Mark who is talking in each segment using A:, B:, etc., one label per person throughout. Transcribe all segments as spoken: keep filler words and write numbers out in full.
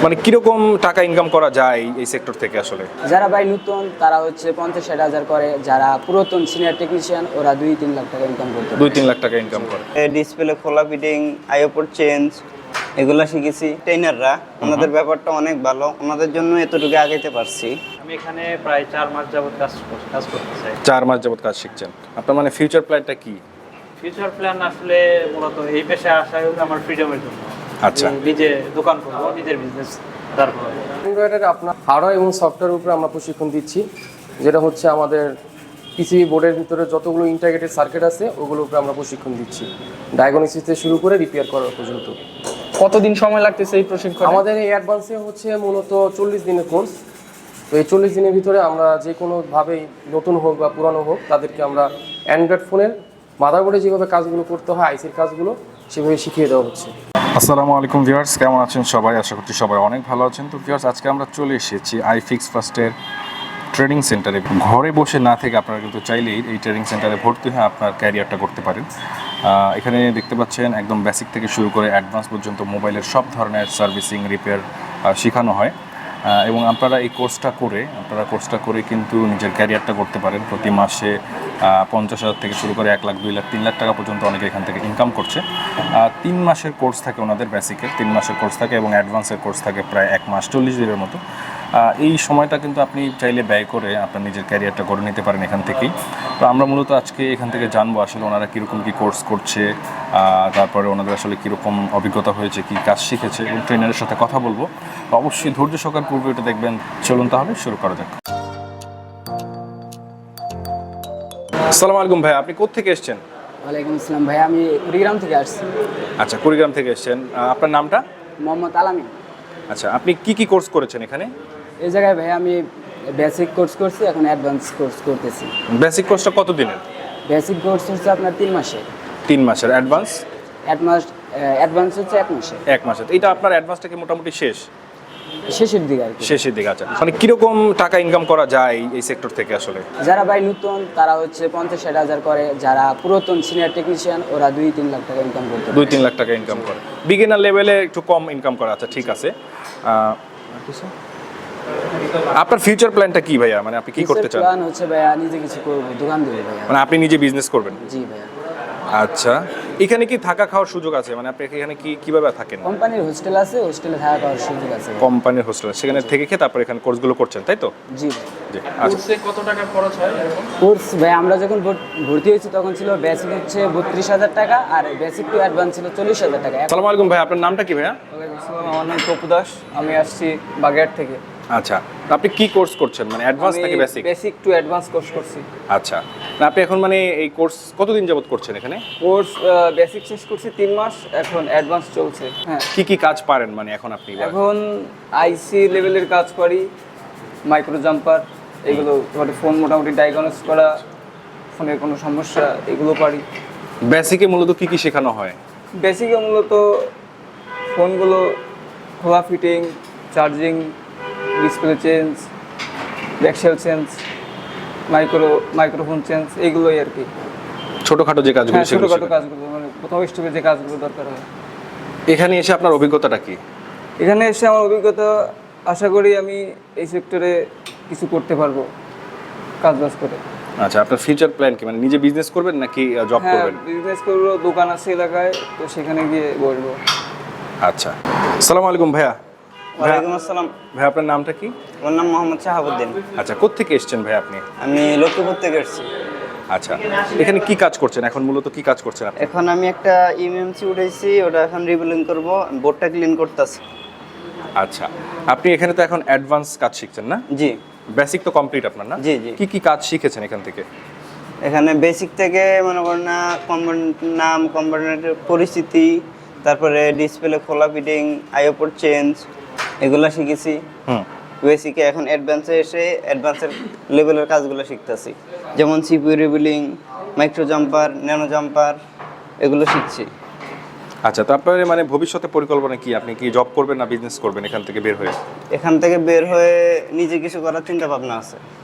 A: মানে কিরকম টাকা ইনকাম করা যায় এই সেক্টর থেকে আসলে?
B: যারা ভাই নতুন তারা হচ্ছে পঞ্চাশ ষাট হাজার করে, যারা পুরাতন সিনিয়র টেকনিশিয়ান ওরা দুই তিন লাখ টাকা ইনকাম করতে পারে।
A: দুই তিন লাখ টাকা ইনকাম করে।
C: ডিসপ্লে খোলা, ফিটিং, আইওপোর্ট চেঞ্জ এগুলা শিখেছি। ট্রেনাররা ওনাদের ব্যাপারটা অনেক ভালো, ওনাদের জন্য এতটুকু আগাইতে পারছি।
D: আমি এখানে প্রায় চার মাস যাবত কাজ কর- কাজ করতে চাই।
A: চার মাস যাবত কাজ শিখছেন। আপনার মানে ফিউচার প্ল্যানটা কি?
D: ফিউচার প্ল্যান আসলে মূলত এই পেশায় আসা হলো আমার ফ্রিডমের জন্য।
A: আচ্ছা।
D: আমি নিজে দোকান করবো, নিজের বিজনেস দাঁড় করবো।
E: এমব্রয়ডারি আপনার হার্ডওয়্যার এবং সফটওয়্যার উপরে আমরা প্রশিক্ষণ দিচ্ছি, যেটা হচ্ছে আমাদের পিসিবি বোর্ডের ভিতরে যতগুলো ইন্টাগ্রেটেড সার্কিট আছে ওগুলোর উপরে আমরা প্রশিক্ষণ দিচ্ছি, ডায়াগনোসিস থেকে শুরু করে রিপেয়ার করার পর্যন্ত।
F: কতদিন সময় লাগতেছে এই প্রশিক্ষণ?
E: আমাদের এই অ্যাডভান্সে হচ্ছে মূলত চল্লিশ দিনের কোর্স। তো এই চল্লিশ দিনের ভিতরে আমরা যে কোনোভাবেই নতুন হোক বা পুরানো হোক তাদেরকে আমরা অ্যান্ড্রয়েড ফোনের মাদারবোর্ডে যেভাবে কাজগুলো করতে হয়, আইসির কাজগুলো সেভাবে শিখিয়ে দেওয়া হচ্ছে।
A: আসসালামু আলাইকুম ভিউয়ার্স, কেমন আছেন সবাই? আশা করছি সবাই অনেক ভালো আছেন। তো ভিউয়ার্স, আজকে আমরা চলে এসেছি আইফিক্স ফার্স্টের ট্রেনিং সেন্টারে। ঘরে বসে না থেকে আপনারা কিন্তু চাইলেই এই ট্রেনিং সেন্টারে ভর্তি হয়ে আপনার ক্যারিয়ারটা করতে পারেন। এখানে দেখতে পাচ্ছেন একদম বেসিক থেকে শুরু করে অ্যাডভান্স পর্যন্ত মোবাইলের সব ধরনের সার্ভিসিং, রিপেয়ার শেখানো হয়। এবং আপনারা এই কোর্সটা করে আপনারা কোর্সটা করে কিন্তু নিজের ক্যারিয়ারটা করতে পারেন। প্রতি মাসে পঞ্চাশ হাজার থেকে শুরু করে এক লাখ, দুই লাখ, তিন লাখ টাকা পর্যন্ত অনেকে এখান থেকে ইনকাম করছে। তিন মাসের কোর্স থাকে ওনাদের, বেসিকের তিন মাসের কোর্স থাকে এবং অ্যাডভান্সের কোর্স থাকে প্রায় এক মাস চল্লিশ দিনের মতো। এই সময়টা কিন্তু আপনি চাইলে ব্যয় করে আপনার নিজের ক্যারিয়ারটা গড়ে নিতে পারেন এখান থেকেই। তো আমরা মূলত আজকে এখান থেকে জানবো আসলে ওনারা কীরকম কী কোর্স করছে, তারপরে ওনাদের আসলে কীরকম অভিজ্ঞতা হয়েছে, কী কাজ শিখেছে, এবং ট্রেনারের সাথে কথা বলবো। অবশ্যই ধৈর্য সহকারে পূর্বে এটা দেখবেন। চলুন তাহলে শুরু করা যাক। আসসালামু আলাইকুম ভাই, আপনি কোত্থেকে এসেছেন?
B: ওয়ালাইকুম আসসালাম ভাই, আমি কুড়িগ্রাম থেকে আসছি।
A: আচ্ছা, কুড়িগ্রাম থেকে এসেছেন। আপনার নামটা?
B: মোহাম্মদ আলামিন।
A: আচ্ছা, আপনি কি কি কোর্স করেছেন এখানে?
B: এই জায়গায় ভাই আমি বেসিক কোর্স করছি, এখন অ্যাডভান্স কোর্স করতেছি।
A: বেসিক কোর্সটা কত দিনের?
B: বেসিক কোর্স হচ্ছে আপনার তিন মাসে।
A: তিন মাসের। অ্যাডভান্স?
B: অ্যাডভান্স অ্যাডভান্স হচ্ছে এক মাসে।
A: এক মাসের। এইটা আপনার অ্যাডভান্সটা কি মোটামুটি শেষ?
B: শেষের দিকে আর কি।
A: শেষের দিকে। আচ্ছা, মানে কিরকম টাকা ইনকাম করা যায় এই সেক্টর থেকে আসলে?
B: যারা ভাই নতুন তারা হচ্ছে পঞ্চাশ ষাট হাজার করে, যারা পুরাতন সিনিয়র টেকনিশিয়ান ওরা দুই তিন লাখ টাকা ইনকাম করতে পারে।
A: দুই তিন লাখ টাকা ইনকাম করে। বিগিনার লেভেলে একটু কম ইনকাম করে। আচ্ছা, ঠিক আছে। আপনার ফিউচার প্ল্যানটা কি ভাইয়া? মানে আপনি কি করতে চান?
B: প্ল্যান হচ্ছে ভাইয়া নিজে কিছু করবো, দোকান দেবো ভাইয়া।
A: মানে আপনি নিজে বিজনেস করবেন?
B: জি ভাইয়া।
A: আচ্ছা, এখানে কি থাকা খাওয়ার সুযোগ আছে? মানে আপনি এখানে কি কিভাবে থাকেন?
B: কোম্পানির হোস্টেল আছে, হোস্টেলে থাকা খাওয়ার সুযোগ আছে।
A: কোম্পানির হোস্টেল, সেখানে থেকে খেয়ে তারপর এখানে কোর্সগুলো করছেন, তাই তো?
B: জি
A: জি। আচ্ছা,
F: কোর্সে কত টাকা খরচ হয় এরকম?
B: কোর্স ভাই আমরা যখন ভর- ভর্তি হয়েছি তখন ছিল বেসিক হচ্ছে বত্রিশ হাজার টাকা আর বেসিক টু অ্যাডভান্স ছিল চল্লিশ হাজার টাকা। এখন
A: আসসালামু আলাইকুম ভাই, আপনার নামটা কি ভাইয়া?
F: ওয়ালাইকুম আসসালাম, আমার নাম তপু দাস, আমি আসছি বাগেরহাট থেকে।
A: আচ্ছা, তো আপনি কি কোর্স করছেন? মানে অ্যাডভান্স নাকি basic?
F: Basic to advance course করছি।
A: আচ্ছা, না আপনি এখন মানে এই কোর্স কতদিন যাবত করছেন এখানে?
F: কোর্স বেসিক শেষ করছি তিন মাস, এখন অ্যাডভান্স চলছে। হ্যাঁ,
A: কি কি কাজ পারেন মানে এখন আপনি?
F: এখন আইসি লেভেলের কাজ করি, মাইক্রো জাম্পার এগুলো, তারপরে ফোন মোটামুটি ডায়াগনোস করা, ফোনের কোনো সমস্যা এগুলো পারি।
A: বেসিকে মূলত কি কি শেখানো হয়?
F: বেসিকে মূলত ফোনগুলো খোলা, fitting, charging, display change, back shell change, micro microphone change, এইগুলোই আর কি।
A: ছোটখাটো যে কাজগুলো
F: হ্যাঁ,
A: সেগুলো
F: ছোটোখাটো
A: শেখান।
F: কাজগুলো, মানে প্রথম স্টেপে যে কাজগুলো দরকার হয়।
A: এখানে এসে আপনার অভিজ্ঞতাটা কি?
F: এখানে এসে আমার অভিজ্ঞতা, আশা করি আমি এই সেক্টরে কিছু করতে পারবো কাজ বাজ করে।
A: আচ্ছা, আপনার ফিউচার প্ল্যান কি? মানে নিজে বিজনেস করবেন নাকি জব
F: হ্যাঁ,
A: করবেন?
F: বিজনেস করবো, দোকান আছে এলাকায়, তো সেখানে গিয়ে বসবো।
A: আচ্ছা, আসসালামু আলাইকুম ভাইয়া।
C: ওয়ালাইকুম আসসালাম।
A: ভাই, আপনার নামটা কি?
C: আমার নাম মোহাম্মদ শাহাবুদ্দিন।
A: আচ্ছা, কোত্থেকে এসেছেন ভাই আপনি?
C: আমি লক্ষ্মীপুর থেকে এসেছি।
A: আচ্ছা, এখানে কি কাজ করছেন এখন? মূলত কি কাজ করছেন আপনি?
C: এখন আমি একটা ইএমএমসি উঠাইছি, ওটা এখন রিবিলিং করব, বোর্ডটা ক্লিন করতেছি।
A: আচ্ছা, আপনি এখানে তো এখন অ্যাডভান্স কাজ শিখছেন না?
C: জি
A: বেসিক তো কমপ্লিট আপনার না?
C: জি জি।
A: কি কি কাজ শিখেছেন এখান থেকে?
C: এখানে বেসিক থেকে মনে করেন না কম্পোনেন্ট নাম, কম্পোনেন্টের পরিস্থিতি, তারপরে ডিসপ্লে খোলা, ফিটিং, আইওপোর্ট চেঞ্জ এগুলো শিখেছি
A: হুম।
C: বেসিকে। এখন অ্যাডভান্সে এসে অ্যাডভান্সের লেভেলের কাজগুলো শিখতেছি, যেমন CPU reballing, micro jumper, nano jumper এগুলো শিখছি।
A: আচ্ছা, তো আপনার মানে ভবিষ্যতে পরিকল্পনা কি? আপনি কি জব করবেন না বিজনেস করবেন এখান থেকে বের হয়ে?
C: এখান থেকে বের হয়ে নিজে কিছু করার চিন্তা ভাবনা আছে।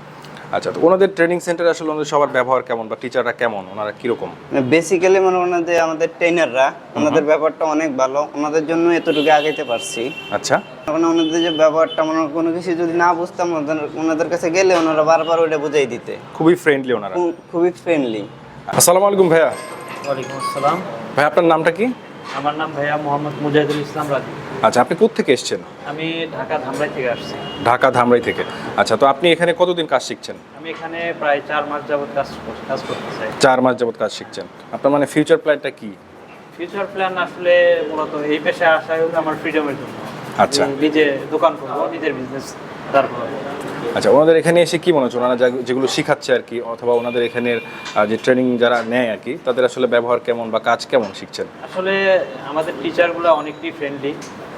A: আচ্ছা, তো ওনাদের ট্রেনিং সেন্টারে আসলে ওনাদের সবার ব্যবহার কেমন বা টিচাররা কেমন, ওনারা কিরকম?
C: বেসিক্যালি মনে করেন যে আমাদের ট্রেনাররা ওনাদের ব্যাপারটা অনেক ভালো, ওনাদের জন্য এতটুকু আগাইতে পারছি।
A: আচ্ছা,
C: এখন ওনাদের যে ব্যবহারটা মনে করেন কোনো কিছু যদি না বুঝতাম ওনাদের- ওনাদের কাছে গেলে ওনারা বারবার ওইটা বুঝাই দিতে,
A: খুবই ফ্রেন্ডলি ওনারা।
C: খু- খুবই ফ্রেন্ডলি।
A: আসসালামু আলাইকুম ভাইয়া।
D: ওয়ালাইকুম আসসালাম।
A: ভাই আপনার নামটা কি?
D: আমার নাম ভাইয়া মোহাম্মদ মুজাহিদুল ইসলাম রাজু।
A: আচ্ছা, আপনি কোত্থেকে এসেছেন?
D: আমি ঢাকা ধামরাই থেকে আসছি।
A: ঢাকা ধামরাই থেকে। আচ্ছা, তো আপনি এখানে কতদিন কাজ শিখছেন?
D: আমি এখানে প্রায় চার মাস যাবত কাজ কর- কাজ করতে চাই।
A: চার মাস যাবত কাজ শিখছেন। আপনার মানে ফিউচার প্ল্যানটা কি?
D: ফিউচার প্ল্যান আসলে মূলত এই পেশায় আসা হলো আমার ফ্রিডমের জন্য।
A: আচ্ছা।
D: আমি নিজে দোকান করবো, নিজের বিজনেস দাঁড় করবো।
A: আচ্ছা, ওনাদের এখানে এসে কি মনে হচ্ছে, ওনারা যা- যেগুলো শিখাচ্ছে আর কি, অথবা ওনাদের এখানের আহ, যে ট্রেনিং যারা নেয় আর কি, তাদের আসলে ব্যবহার কেমন বা কাজ কেমন শিখছেন?
D: আসলে আমাদের টিচারগুলো অনেকটাই ফ্রেন্ডলি।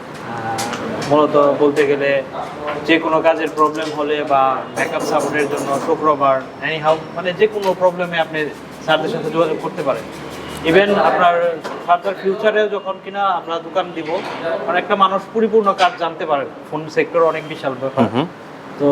D: মূলত বলতে গেলে যে কোনো কাজের প্রবলেম হলে বা ব্যাকআপ সাপোর্টের জন্য শুক্রবার এনিহাউ মানে যে কোনো প্রবলেমে আপনি স্যারদের সাথে যোগাযোগ করতে পারেন। ইভেন আপনার ফার্দার ফিউচারেও যখন কিনা আমরা দোকান দিব, মানে একটা মানুষ পরিপূর্ণ কাজ জানতে পারে। ফোন সেক্টর অনেক বিশাল ব্যাপার। তো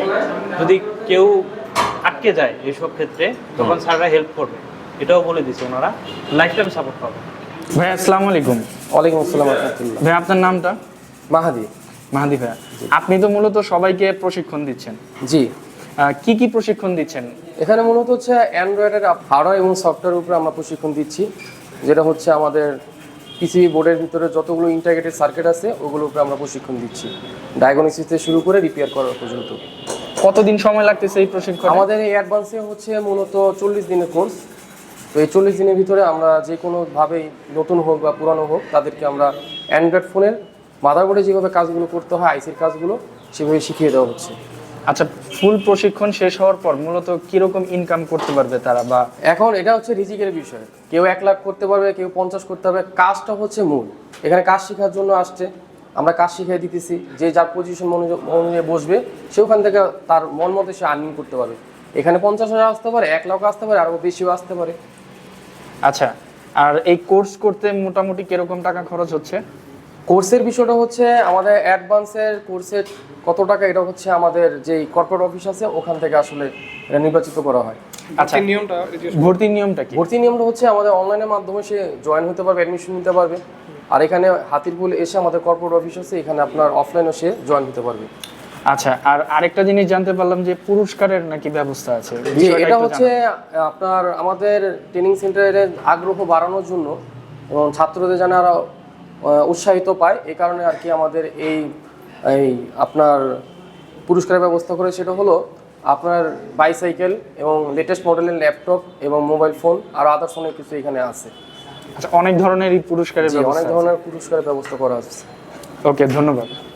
D: যদি কেউ আটকে যায় এইসব ক্ষেত্রে তখন স্যাররা হেল্প করবে, এটাও বলে দিচ্ছে। ওনারা লাইফ টাইম সাপোর্ট পাবে।
F: ভাই আসসালামু আলাইকুম।
E: ওয়ালাইকুম আসসালাম রহমতুল্লাহ।
F: ভাই আপনার নামটা?
E: মাহাদি।
F: মাহাদি ভাইয়া, আপনি তো মূলত সবাইকে প্রশিক্ষণ দিচ্ছেন,
E: জি।
F: আহ, কি কি প্রশিক্ষণ দিচ্ছেন?
E: এখানে মূলত হচ্ছে অ্যান্ড্রয়েডের হার্ডওয়্যার এবং সফটওয়্যারের উপরে আমরা প্রশিক্ষণ দিচ্ছি, যেটা হচ্ছে আমাদের পিসিবি বোর্ডের ভিতরে যতগুলো ইন্টাগ্রেটেড সার্কিট আছে ওগুলোর উপরে আমরা প্রশিক্ষণ দিচ্ছি, ডায়াগনোসিস থেকে শুরু করে রিপেয়ার করার পর্যন্ত।
F: কতদিন সময় লাগতেছে এই প্রশিক্ষণ?
E: আমাদের এই অ্যাডভান্সে হচ্ছে মূলত চল্লিশ দিনের কোর্স। তো এই চল্লিশ দিনের ভিতরে আমরা যে কোনোভাবেই নতুন হোক বা পুরানো হোক তাদেরকে আমরা অ্যান্ড্রয়েড ফোনের মাদারবোর্ডে যেভাবে কাজগুলো করতে হয়, আইসির কাজগুলো সেভাবে শিখিয়ে দেওয়া হচ্ছে।
F: আচ্ছা, ফুল প্রশিক্ষণ শেষ হওয়ার পর মূলত কিরকম ইনকাম করতে পারবে তারা? বা
E: এখন এটা হচ্ছে রিজিকের বিষয়, কেউ এক লাখ করতে পারবে, কেউ পঞ্চাশ করতে পারবে। কাজটা হচ্ছে মূল। এখানে কাজ শেখার জন্য আসছে, আমরা কাজ শিখিয়ে দিতেছি। যে যার পজিশন অনুযায়ী বসবে সে ওখান থেকে তার মন মতো সে আর্নিং করতে পারবে। এখানে পঞ্চাশ হাজার আসতে পারে, এক লাখ আসতে পারে, আরও বেশিও আসতে পারে।
F: আচ্ছা, আর এই কোর্স করতে মোটামুটি কিরকম টাকা খরচ হচ্ছে?
E: কোর্সের বিষয়টা হচ্ছে আমাদের অ্যাডভান্সের কোর্সের কত টাকা, এটা হচ্ছে আমাদের যেই কর্পোরেট অফিস আছে ওখান থেকে আসলে এটা নির্বাচিত করা হয়।
F: আচ্ছা, নিয়মটা ভর্তির নিয়মটা কি?
E: ভর্তি নিয়মটা হচ্ছে আমাদের অনলাইনের মাধ্যমে সে জয়েন হতে পারবে, অ্যাডমিশন নিতে পারবে। আর এখানে হাতিরপুল এসে আমাদের কর্পোরেট অফিস আছে, এখানে আপনার অফলাইনে সে জয়েন হতে পারবে।
F: আচ্ছা, আর আরেকটা জিনিস জানতে পারলাম যে পুরস্কারের নাকি ব্যবস্থা আছে।
E: যে
F: বিষয়টা
E: এটা
F: একটু
E: হচ্ছে
F: জানান।
E: আপনার আমাদের ট্রেনিং সেন্টারের আগ্রহ বাড়ানোর জন্য এবং ছাত্রদের যেন আরো আহ, উৎসাহিত পায়, এই কারণে আর কি আমাদের এই এই আপনার পুরস্কারের ব্যবস্থা করে। সেটা হলো আপনার বাইসাইকেল এবং লেটেস্ট মডেলের ল্যাপটপ এবং মোবাইল ফোন আর আদার্স অনেক কিছু এখানে আছে।
F: আচ্ছা, অনেক ধরনের এই পুরস্কারের
E: জি, অনেক
F: ব্যবস্থা আছে।
E: ধরনের পুরস্কারের ব্যবস্থা করা আছে।
F: ওকে, ধন্যবাদ।